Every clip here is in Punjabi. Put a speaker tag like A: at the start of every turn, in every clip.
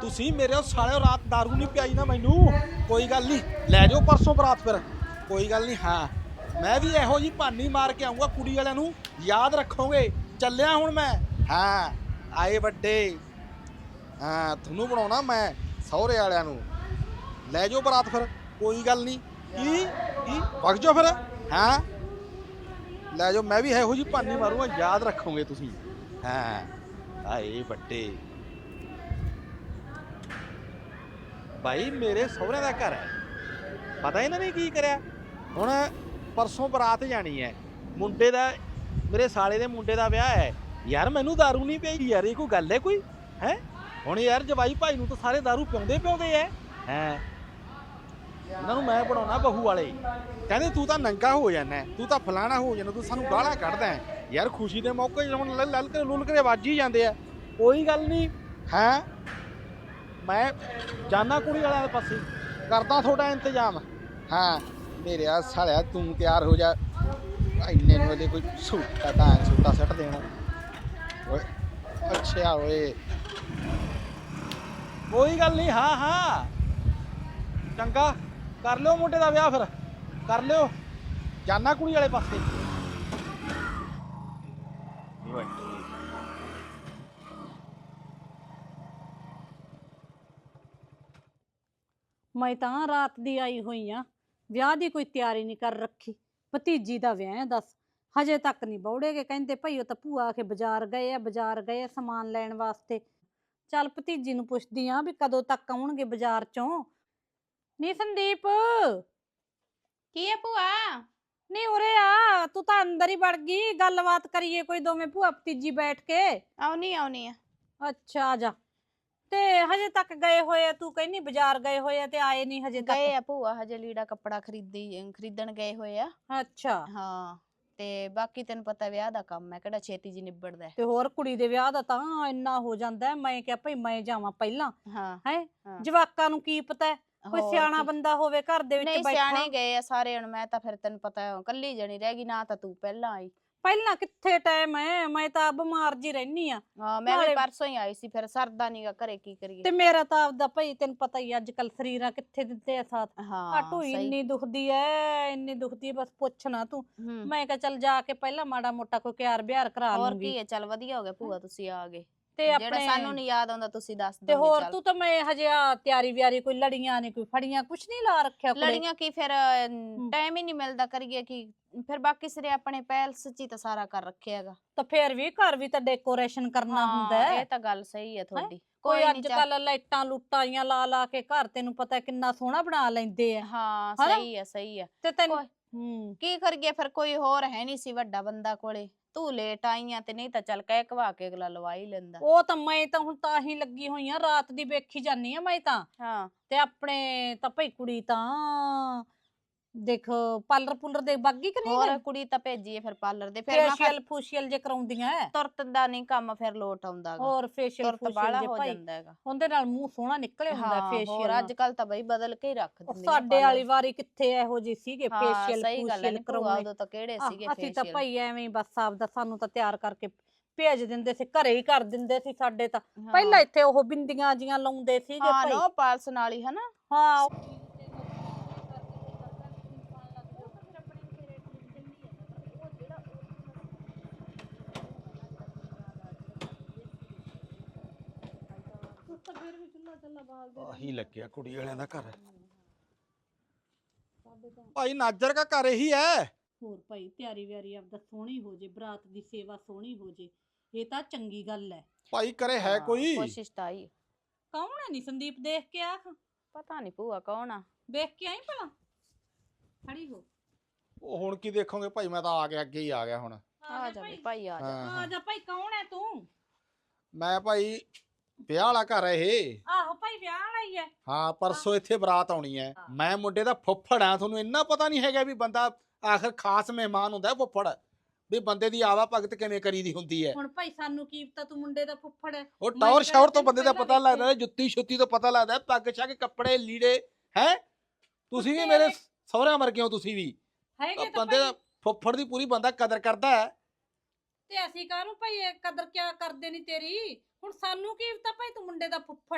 A: ਤੁਸੀਂ ਮੇਰੇ ਸਾਲਿਓ ਰਾਤ दारू नहीं पियाई ना मैनू कोई गल नहीं लै जाओ परसों बरात फिर कोई गल नहीं हाँ मैं भी इहो जी भानी मार के आऊँगा कुड़ी वालिਆਂ ਨੂੰ याद रखोगे ਚੱਲਿਆ ਹੁਣ मैं हाँ आए ਵੱਡੇ हाँ ਤੁਹਾਨੂੰ ਬਣਾਉਣਾ मैं ਸਹੁਰੇ ਵਾਲਿਆਂ ਨੂੰ ਲੈ ਜਾਓ ਬਰਾਤ ਫਿਰ ਕੋਈ ਗੱਲ ਨਹੀਂ ਕੀ ਵਗ ਜਾਓ ਫਿਰ ਹਾਂ ਲੈ ਜਾਓ ਮੈਂ ਵੀ ਇਹੋ ਜੀ ਭਾਨੀ ਮਾਰੂੰਗਾ ਯਾਦ ਰੱਖੋਗੇ ਤੁਸੀਂ ਹਾਂ ਆਏ ਵੱਡੇ ਭਾਈ ਮੇਰੇ ਸਹੁਰਿਆਂ ਦਾ ਘਰ ਹੈ ਪਤਾ ਇਹਨਾਂ ਨੇ ਕੀ ਕਰਿਆ ਹੁਣ ਪਰਸੋਂ ਬਰਾਤ ਜਾਣੀ ਹੈ ਮੁੰਡੇ ਦਾ ਮੇਰੇ ਸਾਲੇ ਦੇ ਮੁੰਡੇ ਦਾ ਵਿਆਹ ਹੈ ਯਾਰ ਮੈਨੂੰ दारू ਨਹੀਂ ਪਈ ਯਾਰ ਇਹ ਕੋਈ ਗੱਲ ਹੈ ਕੋਈ ਹੈ ਹੁਣ ਯਾਰ ਜਵਾਈ ਭਾਈ ਨੂੰ ਤਾਂ ਸਾਰੇ दारू ਪਿਉਂਦੇ ਐ ਹੈ ਇਹਨਾਂ ਨੂੰ ਮੈਂ ਬਣਾਉਣਾ ਬਹੂ ਵਾਲੇ ਕਹਿੰਦੇ ਤੂੰ ਤਾਂ ਨੰਗਾ ਹੋ ਜਾਣਾ ਤੂੰ ਤਾਂ ਫਲਾਣਾ ਹੋ ਜਾਣਾ ਤੂੰ ਸਾਨੂੰ ਗਾਲਾਂ ਕੱਢਦਾ ਯਾਰ ਖੁਸ਼ੀ ਦੇ ਮੌਕੇ ਹੁਣ ਲੱਲ ਕੇ ਲੁੱਲ ਕੇ ਵੱਜ ਹੀ ਜਾਂਦੇ ਆ ਕੋਈ ਗੱਲ ਨਹੀਂ ਹੈ ਮੈਂ ਜਾਨਾ ਕੁੜੀ ਵਾਲਿਆਂ ਦੇ ਪਾਸੇ ਕਰਦਾ ਤੁਹਾਡਾ ਇੰਤਜ਼ਾਮ ਹਾਂ ਮੇਰੇ ਆ ਸਾਲਿਆ ਤੂੰ ਤਿਆਰ ਹੋ ਜਾ ਇੰਨੇ ਨੂੰ ਇਹਦੇ ਕੋਈ ਸੂਟਾ ਸੱਟ ਦੇਣਾ ਓਏ ਅੱਛਾ ਓਏ ਕੋਈ ਗੱਲ ਨਹੀਂ ਹਾਂ ਹਾਂ ਚੰਗਾ ਕਰ ਲਿਓ ਮੁੰਡੇ ਦਾ ਵਿਆਹ ਫਿਰ ਕਰ ਲਿਓ ਜਾਨਾ ਕੁੜੀ ਵਾਲੇ ਪਾਸੇ
B: ਮੈਂ ਤਾਂ ਰਾਤ ਦੀ ਆਈ ਹੋਈ ਆ ਵਿਆਹ ਦੀ ਕੋਈ ਤਿਆਰੀ ਨਹੀਂ ਕਰ ਰੱਖੀ ਭਤੀਜੀ ਦਾ ਵਿਆਹ ਹੈ ਦੱਸ ਹਜੇ ਤੱਕ ਨਹੀਂ ਬੌੜੇਗੇ ਕਹਿੰਦੇ ਭਾਈ ਉਹ ਤਾਂ ਭੂਆ ਆ ਕੇ ਬਾਜ਼ਾਰ ਗਏ ਆ ਸਮਾਨ ਲੈਣ ਵਾਸਤੇ ਚੱਲ ਭਤੀਜੀ ਨੂੰ ਪੁੱਛਦੀ ਆ ਵੀ ਕਦੋਂ ਤੱਕ ਆਉਣਗੇ ਬਾਜ਼ਾਰ ਚੋਂ ਨੀ ਸੰਦੀਪ
C: ਕੀ ਹੈ ਭੂਆ
B: ਨੀ ਉਰੇ ਆ ਤੂੰ ਤਾਂ ਅੰਦਰ ਹੀ ਵੜ ਗਈ ਗੱਲਬਾਤ ਕਰੀਏ ਕੋਈ ਦੋਵੇਂ ਭੂਆ ਭਤੀਜੀ ਬੈਠ ਕੇ
C: ਆਉਣੀ ਆ
B: ਅੱਛਾ ਆ ਜਾ ਤੇ ਹਜੇ ਤੱਕ ਗਏ ਹੋਏ ਆ ਤੂੰ ਕਹਿੰਨੀ ਬਾਜ਼ਾਰ ਗਏ ਹੋਏ ਆ ਤੇ ਆਏ ਨਹੀਂ ਹਜੇ ਤੱਕ
C: ਗਏ ਆ ਭੂਆ ਹਜੇ ਲੀੜਾ ਕੱਪੜਾ ਖਰੀਦਣ ਗਏ ਹੋਏ ਆ
B: ਅੱਛਾ
C: ਹਾਂ ਤੇ ਬਾਕੀ ਤੈਨੂੰ ਪਤਾ ਵਿਆਹ ਦਾ ਕੰਮ ਹੈ ਕਿਹੜਾ ਛੇਤੀ ਜੀ ਨਿਬੜਦਾ
B: ਤੇ ਹੋਰ ਕੁੜੀ ਦੇ ਵਿਆਹ ਦਾ ਤਾਂ ਇੰਨਾ ਹੋ ਜਾਂਦਾ ਮੈਂ ਕਿਹਾ ਭਈ ਮੈਂ ਜਾਵਾਂ ਪਹਿਲਾਂ
C: ਹਾਂ
B: ਹੈ ਜਵਾਕਾਂ ਨੂੰ ਕੀ ਪਤਾ ਕੋਈ ਸਿਆਣਾ ਬੰਦਾ ਹੋਵੇ ਘਰ ਦੇ ਵਿੱਚ
C: ਨਹੀਂ
B: ਬੈਠਾ
C: ਸਿਆਣੇ ਗਏ ਆ ਸਾਰੇ ਹੁਣ ਮੈਂ ਤਾਂ ਫਿਰ ਤੈਨੂੰ ਪਤਾ ਕੱਲੀ ਜਣੀ ਰਹਿ ਗਈ ਨਾ ਤਾਂ ਤੂੰ ਪਹਿਲਾਂ ਆਈ
B: ਪਹਿਲਾਂ ਕਿੱਥੇ ਟਾਈਮ ਹੈ ਮੈਂ ਤਾਂ ਬਿਮਾਰ ਜੀ ਰਹਿਨੀ ਆ
C: ਹਾਂ ਮੈਂ ਵੀ ਪਰਸੋਂ ਹੀ ਆਈ ਸੀ ਫਿਰ ਸਰਦਾ ਨੀਗਾ ਘਰੇ ਕੀ ਕਰੀਏ
B: ਤੇ ਮੇਰਾ ਤਾਂ ਆਪਦਾ ਭਈ ਤੈਨੂੰ ਪਤਾ ਹੀ ਅੱਜ ਕੱਲ ਸਰੀਰਾਂ ਕਿੱਥੇ ਦਿੰਦੇ ਆ ਸਾਥ
C: ਹਾਂ
B: ਢੂਈ ਇੰਨੀ ਦੁਖਦੀ ਐ ਬਸ ਪੁੱਛ ਨਾ ਤੂੰ ਮੈਂ ਕਿਹਾ ਚੱਲ ਜਾ ਕੇ ਪਹਿਲਾਂ ਮਾੜਾ ਮੋਟਾ ਕੋਈ ਕਿਆਰ ਬਿਹਾਰ ਕਰਾ ਲੂੰਗੀ
C: ਹੋਰ ਕੀ ਹੈ ਚੱਲ ਵਧੀਆ ਹੋ ਗਿਆ ਭੂਆ ਤੁਸੀਂ ਆ ਗਏ
B: ਤੇ
C: ਜਿਹੜਾ ਸਾਨੂੰ ਨਹੀਂ ਯਾਦ ਆਉਂਦਾ ਤੁਸੀਂ ਦੱਸ ਦਿਓ
B: ਤੇ ਹੋਰ ਤੂੰ ਤਾਂ ਮੈਂ ਹਜੇ ਤਿਆਰੀ ਵਿਆਰੀ ਕੋਈ ਲੜੀਆਂ ਨੇ ਕੋਈ ਫੜੀਆਂ ਕੁਛ ਨਹੀਂ ਲਾ ਰੱਖਿਆ
C: ਲੜੀਆਂ ਕੀ ਫਿਰ ਟਾਈਮ ਹੀ ਨਹੀਂ ਮਿਲਦਾ ਕਰੀਏ ਕੀ ਫਿਰ ਬਾਕੀ ਸਿਰੇ ਆਪਣੇ ਪੈਲਸ ਚ ਹੀ ਤਾਂ ਸਾਰਾ ਕਰ ਰੱਖਿਆ ਹੈਗਾ
B: ਤਾਂ ਫਿਰ ਵੀ ਘਰ ਵੀ ਤਾਂ ਡੈਕੋਰੇਸ਼ਨ ਕਰਨਾ ਹੁੰਦਾ
C: ਇਹ ਤਾਂ ਗੱਲ ਸਹੀ ਹੈ ਤੁਹਾਡੀ
B: ਕੋਈ ਅੱਜ ਕੱਲ ਲਾਈਟਾਂ ਲੁੱਟਾਂ ਲਾ ਕੇ ਘਰ ਤੈਨੂੰ ਪਤਾ ਕਿੰਨਾ ਸੋਹਣਾ ਬਣਾ ਲੈਂਦੇ ਆ
C: ਹਾਂ ਸਹੀ ਹੈ
B: ਤੇ ਤੈਨੂੰ
C: ਕੀ ਕਰੀਏ ਫਿਰ ਕੋਈ ਹੋਰ ਹੈ ਨਹੀਂ ਸੀ ਵੱਡਾ ਬੰਦਾ ਕੋਲੇ ਤੂੰ ਲੇਟ ਆਈਆਂ ਤੇ ਨਹੀਂ ਤਾਂ ਚੱਲ ਕਹਿ ਕਵਾ ਕੇ ਅਗਲਾ ਲਵਾ ਹੀ ਲੈਂਦਾ
B: ਉਹ ਤਾਂ ਮੈਂ ਤਾਂ ਹੁਣ ਤਾਂ ਹੀ ਲੱਗੀ ਹੋਈ ਆ ਰਾਤ ਦੀ ਵੇਖੀ ਜਾਨੀ ਆ ਮੈਂ ਤਾਂ
C: ਹਾਂ
B: ਤੇ ਆਪਣੇ ਤਾਂ ਭਈ ਕੁੜੀ ਤਾਂ ਦੇਖ ਪਾਰਲਰ ਦੇ ਬਾਗੀ ਕਿ ਨਹੀਂ
C: ਹੋਰ ਕੁੜੀ ਤਾਂ ਭੇਜੀਏ ਫਿਰ ਪਾਰਲਰ ਦੇ ਫਿਰ
B: ਫੇਸ਼ੀਅਲ ਜੇ ਕਰਾਉਂਦੀਆਂ
C: ਤੁਰਤ ਦਾ ਨਹੀਂ ਕੰਮ ਫਿਰ ਲੋਟ ਆਉਂਦਾ
B: ਹੋਰ ਫੇਸ਼ੀਅਲ
C: ਬਾਲਾ ਹੋ ਜਾਂਦਾ ਹੈਗਾ
B: ਉਹਦੇ ਨਾਲ ਮੂੰਹ ਸੋਹਣਾ ਨਿਕਲੇ ਹੁੰਦਾ ਫੇਸ਼ੀਅਲ
C: ਹੋਰ ਅੱਜ ਕੱਲ ਤਾਂ ਬਈ ਬਦਲ ਕੇ ਹੀ ਰੱਖ ਦਿੰਦੇ
B: ਸਾਡੇ ਵਾਲੀ ਵਾਰੀ ਕਿੱਥੇ ਇਹੋ ਜਿਹੇ ਸੀਗੇ
C: ਫੇਸ਼ੀਅਲ ਕਰਾਉਣੇ ਉਦੋਂ ਤਾਂ ਕਿਹੜੇ ਸੀਗੇ
B: ਅਸੀਂ ਤਾਂ ਭਾਈ ਐਵੇਂ ਬਸ ਆਪਦਾ ਸਾਨੂੰ ਤਾਂ ਤਿਆਰ ਕਰਕੇ ਭੇਜ ਦਿੰਦੇ ਸੀ ਘਰੇ ਹੀ ਕਰ ਦਿੰਦੇ ਸੀ ਸਾਡੇ ਤਾਂ ਪਹਿਲਾਂ ਇੱਥੇ ਉਹ ਬਿੰਦੀਆਂ ਜੀਆਂ ਲਾਉਂਦੇ ਸੀਗੇ
C: ਭਾਈ ਹਾਂ ਪਾਲਸ ਨਾਲ ਹੀ ਹਨਾ
B: ਹਾਂ
A: ਆਹੀ ਲੱਗਿਆ ਕੁੜੀ ਵਾਲਿਆਂ ਦਾ ਘਰ ਭਾਈ ਨਾਜਰ ਦਾ ਘਰ ਇਹੀ ਹੈ
B: ਹੋਰ ਭਾਈ ਤਿਆਰੀ ਵਿਆਰੀ ਆਪਦਾ ਸੋਹਣੀ ਹੋ ਜੇ ਬਰਾਤ ਦੀ ਸੇਵਾ ਸੋਹਣੀ ਹੋ ਜੇ ਇਹ ਤਾਂ ਚੰਗੀ ਗੱਲ ਹੈ
A: ਭਾਈ ਕਰੇ ਹੈ ਕੋਈ
C: ਕੋਸ਼ਿਸ਼ ਤਾਂ ਆਈ
B: ਕੌਣ ਹੈ ਨੀ ਸੰਦੀਪ ਦੇਖ ਕੇ ਆ
C: ਪਤਾ ਨਹੀਂ ਭੂਆ ਕੌਣ ਆ
B: ਵੇਖ ਕੇ ਆਈ ਭਲਾ ਖੜੀ ਹੋ
A: ਉਹ ਹੁਣ ਕੀ ਦੇਖੋਗੇ ਭਾਈ ਮੈਂ ਤਾਂ ਆ ਗਿਆ ਅੱਗੇ ਹੀ ਆ ਗਿਆ ਹੁਣ
C: ਆ ਜਾ ਭਾਈ ਆ
B: ਜਾ ਭਾਈ ਕੌਣ ਹੈ ਤੂੰ
A: ਮੈਂ ਭਾਈ ਵਿਆਹ ਵਾਲਾ ਘਰ ਹੈ ਇਹ
B: ਆਹੋ ਭਾਈ ਵਿਆਹ ਵਾਲਾ ਹੀ ਹੈ
A: ਹਾਂ ਪਰਸੋਂ ਇੱਥੇ ਬਰਾਤ ਆਉਣੀ ਹੈ ਮੈਂ ਮੁੰਡੇ ਦਾ ਫੁੱਫੜ ਆ ਤੁਹਾਨੂੰ ਇੰਨਾ ਪਤਾ ਨਹੀਂ ਹੈਗਾ ਵੀ ਬੰਦਾ ਆਖਰ ਖਾਸ ਮਹਿਮਾਨ ਹੁੰਦਾ ਫੁੱਫੜ ਵੀ ਬੰਦੇ ਦੀ ਆਵਾ ਭਗਤ ਕਿਵੇਂ ਕਰੀਦੀ ਹੁੰਦੀ ਹੈ
B: ਹੁਣ ਭਾਈ ਸਾਨੂੰ ਕੀ ਪਤਾ ਤੂੰ ਮੁੰਡੇ ਦਾ ਫੁੱਫੜ ਹੈ
A: ਉਹ ਟੌਰ ਸ਼ੌਰ ਤੋਂ ਬੰਦੇ ਦਾ ਪਤਾ ਲੱਗਦਾ ਹੈ ਜੁੱਤੀ ਛੁੱਤੀ ਤੋਂ ਪਤਾ ਲੱਗਦਾ ਹੈ ਪੱਗ ਛੱਗ ਕੱਪੜੇ ਲੀੜੇ ਹੈ ਤੁਸੀਂ ਵੀ ਮੇਰੇ ਸਹੁਰਿਆਂ ਵਰਗੇ ਹੋ ਤੁਸੀਂ ਵੀ ਬੰਦੇ ਦਾ ਫੁੱਫੜ ਦੀ ਪੂਰੀ ਬੰਦਾ ਕਦਰ ਕਰਦਾ ਹੈ
B: ਤੇ ਅਸੀਂ ਕਾਹਨੂੰ ਭਾਈ ਕਦਰ ਕਿਆ ਕਰਦੇ ਨਹੀਂ ਤੇਰੀ ਹੁਣ ਸਾਨੂੰ ਕੀ ਪਤਾ ਭਾਈ ਤੂੰ ਮੁੰਡੇ ਦਾ ਫੁੱਫੜ ਹੈ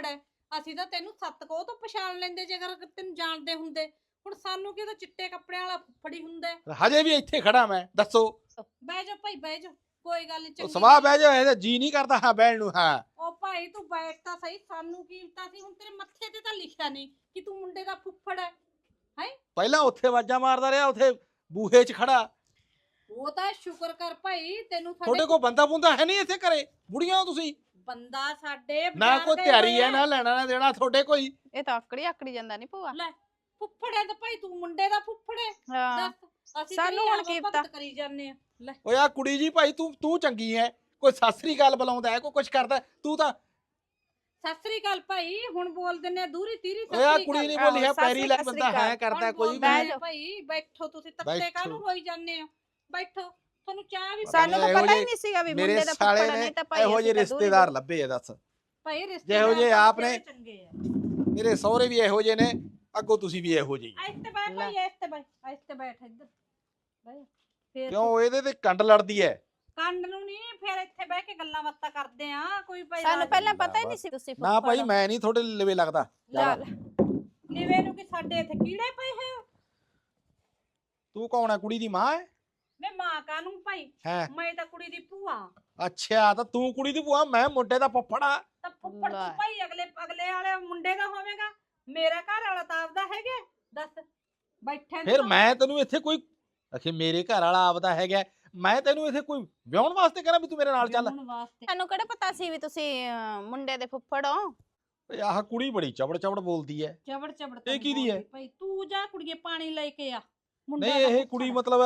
B: ਅਸੀਂ ਤਾਂ ਤੈਨੂੰ ਸੱਤ ਕੋਹ ਤੋਂ ਪਛਾਣ ਲੈਂਦੇ ਜੇ ਅਗਰ ਤੈਨੂੰ ਜਾਣਦੇ ਹੁੰਦੇ। ਹੁਣ ਸਾਨੂੰ ਕੀ ਤਾਂ ਚਿੱਟੇ ਕੱਪੜਿਆਂ ਵਾਲਾ ਫੁੱਫੜੀ ਹੁੰਦਾ ਹੈ।
A: ਹਜੇ ਵੀ ਇੱਥੇ ਖੜਾ ਮੈਂ, ਦੱਸੋ।
B: ਬਹਿ ਜਾ ਭਾਈ ਬਹਿ ਜਾ, ਕੋਈ ਗੱਲ ਨਹੀਂ।
A: ਸਵਾਹ ਬਹਿ ਜਾ, ਇਹਦਾ ਜੀ ਨਹੀਂ ਕਰਦਾ ਹਾਂ ਬਹਿਣ ਨੂੰ। ਹਾਂ
B: ਉਹ ਭਾਈ ਤੂੰ ਬੈਠ ਤਾਂ ਸਹੀ, ਸਾਨੂੰ ਕੀ ਪਤਾ ਸੀ। ਹੁਣ ਤੇਰੇ ਮੱਥੇ ਤੇ ਤਾਂ ਲਿਖਿਆ ਨਹੀਂ ਕਿ ਤੂੰ ਮੁੰਡੇ ਦਾ ਫੁੱਫੜ ਹੈ।
A: ਪਹਿਲਾਂ ਉੱਥੇ ਆਵਾਜ਼ਾਂ ਮਾਰਦਾ ਰਿਹਾ, ਉੱਥੇ ਬੂਹੇ 'ਚ ਖੜਾ।
B: ਉਹ ਤਾਂ ਸ਼ੁਕਰ ਕਰ ਭਾਈ ਤੈਨੂੰ
A: ਤੁਹਾਡੇ ਕੋਲ ਬੰਦਾ ਬੁੰਦਾ ਹੈ ਨਹੀਂ ਇੱਥੇ ਘਰੇ? ਬੁੜੀਆਂ ਹੋ ਤੁਸੀਂ।
B: ਬੰਦਾ ਸਾਡੇ
A: ਨਾ
B: ਬਾਹਰ
A: ਕੋਈ
B: ਗਏ
A: ਤਿਆਰੀ
B: ਹੋਏ
A: ਹੈ
B: ਆ।
A: ਨਾ ਲੈਣਾ ਨਾ ਦੇਣਾ ਤੁਹਾਡੇ ਕੋਈ।
C: ਇਹ ਤਾਂ ਆਕੜੀ ਜਾਂਦਾ ਨਹੀਂ ਭੂਆ।
B: ਲੈ ਫੁੱਫੜ ਹੈ ਤਾਂ ਭਾਈ ਤੂੰ ਮੁੰਡੇ ਦਾ ਫੁੱਫੜ ਹੈ।
C: ਹਾਂ
B: ਦੱਸ ਅਸੀਂ
C: ਸਾਨੂੰ ਹੁਣ ਕੀ ਪਤਾ।
B: ਕਰੀ ਜਾਂਦੇ ਆ। ਲੈ
A: ਓਏ ਆ ਕੁੜੀ ਜੀ ਭਾਈ, ਤੂੰ ਚੰਗੀ ਐ, ਕੋਈ ਸਤਿ ਸ੍ਰੀ ਅਕਾਲ ਬੁਲਾਉਂਦਾ ਹੈ, ਕੋਈ ਕੁਛ ਕਰਦਾ, ਤੂੰ ਤਾਂ।
B: ਸਤਿ ਸ੍ਰੀ ਅਕਾਲ ਭਾਈ, ਹੁਣ ਬੋਲ ਦਿੰਨੇ ਆ ਦੂਰੀ ਤੀਰੀ।
A: ਓਏ ਆ ਕੁੜੀ ਨਹੀਂ ਬੋਲੀ ਹੈ, ਪੈਰੀ ਲੱਗ ਬੰਦਾ ਹੈ ਕਰਦਾ ਕੋਈ
C: ਬਹਿ
A: ਵੀ।
C: ਜਾਓ।
B: ਭਾਈ ਬੈਠੋ, ਤੁਸੀਂ ਤੱਤੇ
A: ਬੈਠੋ।
B: ਕਾਹਨੂੰ ਹੋਈ ਜਾਂਦੇ ਹੋ? ਬੈਠੋ, ਤੁਹਾਨੂੰ ਚਾਹ ਵੀ
C: ਸਾਨੂੰ ਤਾਂ
A: ਇਹੋ
C: ਪਤਾ ਹੀ
A: ਜਿਹੇ
C: ਨਹੀਂ ਸੀਗਾ ਵੀ
A: ਮੇਰੇ
C: ਮੁੰਡੇ ਦਾ
A: ਸਾਲੇ
C: ਫੁੱਫੜ
A: ਨੇ
C: ਨਹੀਂ ਤਾਂ ਭਾਈ
A: ਇਹੋ ਜਿਹੇ ਰਿਸ਼ਤੇਦਾਰ ਲੱਭੇ ਆ। ਦੱਸ
B: ਭਾਈ
A: ਜਿਹੋ ਜਿਹੇ
B: ਤਾਂ
A: ਆਪ ਨੇ।
B: ਚੰਗੇ ਆ।
A: ਮੇਰੇ ਸਹੁਰੇ ਵੀ ਇਹੋ ਜਿਹੇ ਨੇ, ਅੱਗੋਂ ਤੁਸੀਂ ਵੀ ਇਹੋ ਜਿਹੇ।
B: ਇੱਥੇ ਬੈਠ ਭਾਈ, ਇੱਥੇ ਬੈਠ, ਇੱਥੇ ਬੈਠ ਇੱਧਰ ਬਹਿ। ਫੇਰ
A: ਕਿਉਂ ਇਹਦੇ ਤੇ ਕੰਡ ਲੜਦੀ ਐ?
B: ਕੰਡ ਨੂੰ ਨਹੀਂ, ਫਿਰ ਇੱਥੇ ਬਹਿ ਕੇ ਗੱਲਾਂ ਬਾਤਾਂ ਕਰਦੇ ਆ। ਕੋਈ ਭਾਈ
C: ਸਾਨੂੰ ਪਹਿਲਾਂ ਪਤਾ ਹੀ ਨਹੀਂ ਸੀ ਤੁਸੀਂ
A: ਨਾ ਭਾਈ, ਮੈਂ ਨਹੀਂ ਤੁਹਾਡੇ ਲਵੇ ਲੱਗਦਾ।
B: ਲਿਵੇ ਨੂੰ ਕਿ ਸਾਡੇ ਇੱਥੇ ਕੀੜੇ ਪਏ ਹੋਏ।
A: ਤੂੰ ਕੌਣ ਹੈ? ਕੁੜੀ ਦੀ ਮਾਂ ਹੈ?
B: ਮੈਂ ਮਾਂ ਕਾਨੂੰ ਭਾਈ,
A: ਹੈ
B: ਮੈਂ ਤਾਂ ਕੁੜੀ ਦੀ ਭੂਆ।
A: ਅੱਛਾ, ਤਾਂ ਤੂੰ ਕੁੜੀ ਦੀ ਭੂਆ, ਮੈਂ ਮੁੰਡੇ ਦਾ ਫੁੱਫੜਾ।
B: ਤਾਂ ਫੁੱਫੜ
C: ਲੈ।
B: ਤੂੰ ਭਾਈ ਅਗਲੇ ਵਾਲੇ ਮੁੰਡੇ ਦਾ ਹੋਵੇਗਾ। ਮੇਰਾ ਘਰ ਵਾਲਾ ਤਾਂ ਆਪਦਾ ਹੈਗਾ। ਦੱਸ ਬੈਠੇ
A: ਫਿਰ ਮੈਂ ਤੈਨੂੰ ਇੱਥੇ ਕੋਈ ਅਖੇ ਮੇਰੇ ਘਰ ਵਾਲਾ ਆਪਦਾ ਹੈਗਾ, ਮੈਂ ਤੈਨੂੰ ਇੱਥੇ ਕੋਈ ਵਿਆਹਣ ਵਾਸਤੇ ਕਰਾਂ ਵੀ ਤੂੰ ਮੇਰੇ ਨਾਲ ਚੱਲ?
C: ਸਾਨੂੰ ਕਿਹੜਾ ਪਤਾ ਸੀ ਵੀ ਤੁਸੀਂ ਮੁੰਡੇ ਦੇ ਫੁੱਫੜ ਹੋ।
A: ਓਏ ਆਹ ਕੁੜੀ ਬੜੀ ਚਬੜ ਚਬੜ ਬੋਲਦੀ ਐ।
B: ਚਬੜ ਚਬੜ
A: ਇਹ ਕਿਹਦੀ ਹੈ?
B: ਭਾਈ ਤੂੰ ਜਾ ਕੁੜੀਏ ਪਾਣੀ ਲੈ ਕੇ ਆ। ਮੁੰਡਾ
A: ਨਹੀਂ
B: ਦਾ
A: ਇਹ
B: ਫੁੱਫੜ
A: ਕੁੜੀ
B: ਆ।
A: ਮਤਲਬ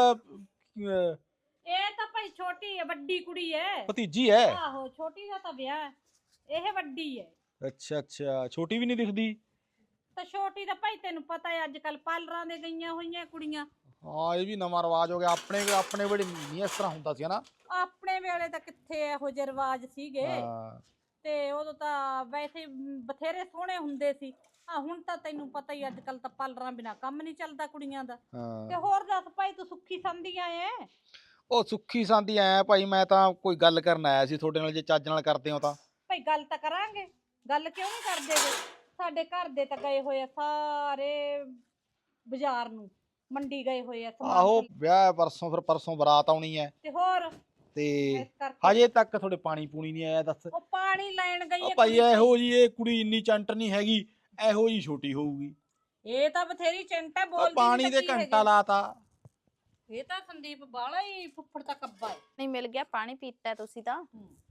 B: ਇਹ ਤਾਂ ਭਾਈ ਛੋਟੀ ਹੈ, ਵੱਡੀ ਕੁੜੀ ਹੈ।
A: ਭਤੀਜੀ ਐ?
B: ਆਹੋ ਛੋਟੀ ਦਾ ਤਾਂ ਵਿਆਹ ਹੈ, ਇਹ ਵੱਡੀ ਹੈ।
A: ਅੱਛਾ ਅੱਛਾ, ਛੋਟੀ ਵੀ ਨਹੀਂ ਦਿਖਦੀ।
B: ਤਾਂ ਛੋਟੀ ਦਾ ਭਾਈ ਤੈਨੂੰ ਪਤਾ ਹੈ ਅੱਜ ਕੱਲ ਪਾਰਲਰਾਂ ਦੇ ਗਈਆਂ ਹੋਈਆਂ ਕੁੜੀਆਂ।
A: ਹਾਂ ਇਹ ਵੀ ਨਵਾਂ ਰਿਵਾਜ ਹੋ ਗਿਆ। ਆਪਣੇ ਵੇਲੇ ਨਹੀਂ ਇਸ ਤਰ੍ਹਾਂ ਹੁੰਦਾ ਸੀ ਹਨਾ।
B: ਆਪਣੇ ਵੇਲੇ ਤਾਂ ਕਿੱਥੇ ਇਹੋ ਜਿਹੇ ਰਿਵਾਜ ਸੀਗੇ।
A: ਹਾਂ
B: ਤੇ ਉਦੋਂ ਤਾਂ ਵੈਸੇ ਬਥੇਰੇ ਸੋਹਣੇ ਹੁੰਦੇ ਸੀ। ਆ ਹੁਣ ਤਾਂ ਤੈਨੂੰ ਪਤਾ ਹੀ ਅੱਜ ਕੱਲ ਤਾਂ ਪਾਰਲਰਾਂ ਬਿਨਾ ਕੰਮ ਨਹੀਂ ਚੱਲਦਾ ਕੁੜੀਆਂ ਦਾ। ਤੇ
A: ਹਾਂ।
B: ਹੋਰ ਦੱਸ ਭਾਈ, ਤੂੰ ਸੁੱਖੀ ਸੰਦੀ ਆਏ?
A: ਉਹ ਸੁੱਖੀ ਸਾਂਦੀ ਆਇਆ ਭਾਈ, ਮੈਂ ਤਾਂ ਕੋਈ ਗੱਲ ਕਰਨ ਆਇਆ ਸੀ ਤੁਹਾਡੇ ਨਾਲ, ਜੇ ਚੱਜ ਨਾਲ ਕਰਦੇ ਹੋ ਤਾਂ।
B: ਭਾਈ ਗੱਲ ਤਾਂ ਕਰਾਂਗੇ, ਗੱਲ ਕਿਉਂ ਨਹੀਂ ਕਰਦੇ ਗੇ? ਸਾਡੇ ਘਰ ਦੇ ਤਾਂ ਗਏ ਹੋਏ ਆ ਸਾਰੇ ਬਾਜ਼ਾਰ ਨੂੰ, ਮੰਡੀ ਗਏ ਹੋਏ ਆ ਸਮਾਨ
A: ਆਹੋ
B: ਖਰੀਦ।
A: ਵਿਆਹ ਹੈ ਪਰਸੋਂ, ਫਿਰ ਪਰਸੋਂ ਬਰਾਤ ਆਉਣੀ ਹੈ
B: ਤੇ ਹੋਰ
A: ਤੇ
B: ਇਸ ਕਰਕੇ
A: ਹਜੇ ਤੱਕ ਤੁਹਾਡੇ ਪਾਣੀ ਪੂਣੀ ਨਹੀਂ ਆਇਆ। ਦੱਸ
B: ਉਹ ਪਾਣੀ ਲੈਣ ਗਈ
A: ਉਹ
B: ਹੈ
A: ਭਾਈ
B: ਕੁੜੀ।
A: ਇਹੋ ਜੀ ਇਹ ਕੁੜੀ ਇੰਨੀ ਚੰਟ ਨਹੀਂ ਹੈਗੀ, ਇਹੋ ਜੀ ਛੋਟੀ ਹੋਊਗੀ।
B: ਇਹ ਤਾਂ ਬਥੇਰੀ ਚਿੰਤਾ
A: ਉਹ
B: ਬੋਲਦੀ
A: ਪਾਣੀ
B: ਨੀ
A: ਦੇ
B: ਤਾਂ ਕੀ
A: ਘੰਟਾ
B: ਹੈਗੇ।
A: ਲਾਤਾ।
B: ਇਹ ਤਾਂ ਸੰਦੀਪ ਬਾਲਾ ਹੀ ਫੁੱਫੜ ਤਾਂ ਕੱਬਾ ਹੈ।
C: ਨਹੀਂ ਮਿਲ ਗਿਆ ਪਾਣੀ ਪੀਤਾ ਤੁਸੀਂ ਤਾਂ।